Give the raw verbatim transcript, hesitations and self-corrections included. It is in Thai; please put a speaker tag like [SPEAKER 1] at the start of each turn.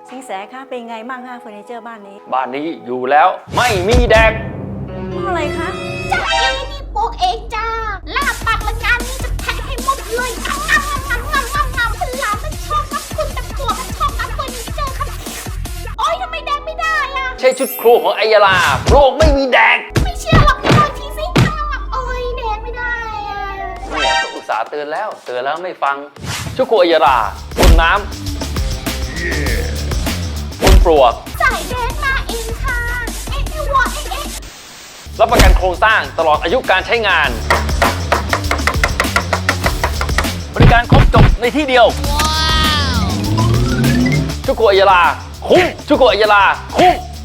[SPEAKER 1] สิงแสคะเป็นไงบ้างคะเฟอร์นิเจอร์บ้านนี้
[SPEAKER 2] บ้านนี้อยู่แล้วไม่มีแดก
[SPEAKER 1] เพราะอะไรคะ
[SPEAKER 3] จ้าเอนี่ปลูกเองจ้าลาบปากละงานนี้จะแทะให้หมดเลยงำงำงำงำงำงำพลามันชอบนับคุณแต่ผัวมันชอบนับเฟอร์นิเจอร์ค่ะโอ๊ยทำไมแดกไม่ได้อะ
[SPEAKER 2] ใช่ชุดครัวของไอยาลาโลกไม่มีแดก
[SPEAKER 3] ไม่เชื่อหรอกพี่ลองทีสิงำงำโอ๊ยแดกไม่ได้อะ
[SPEAKER 2] เนี่ยก็อุตส่าห์เตือนแล้วเตือนแล้วไม่ฟังชุดครัวไอยาลาบนน้ำบนปลวก
[SPEAKER 3] สายแดกมาเองค่ะเอ๊ะเอ๊ะวะเอ๊ะเอ๊ะ
[SPEAKER 2] รับประกันโครงสร้างตลอดอายุการใช้งานบริการครบจบในที่เดียวชุกโกะอัยยาลาคุ้มชุกโกะอัยยาลาคุ้ม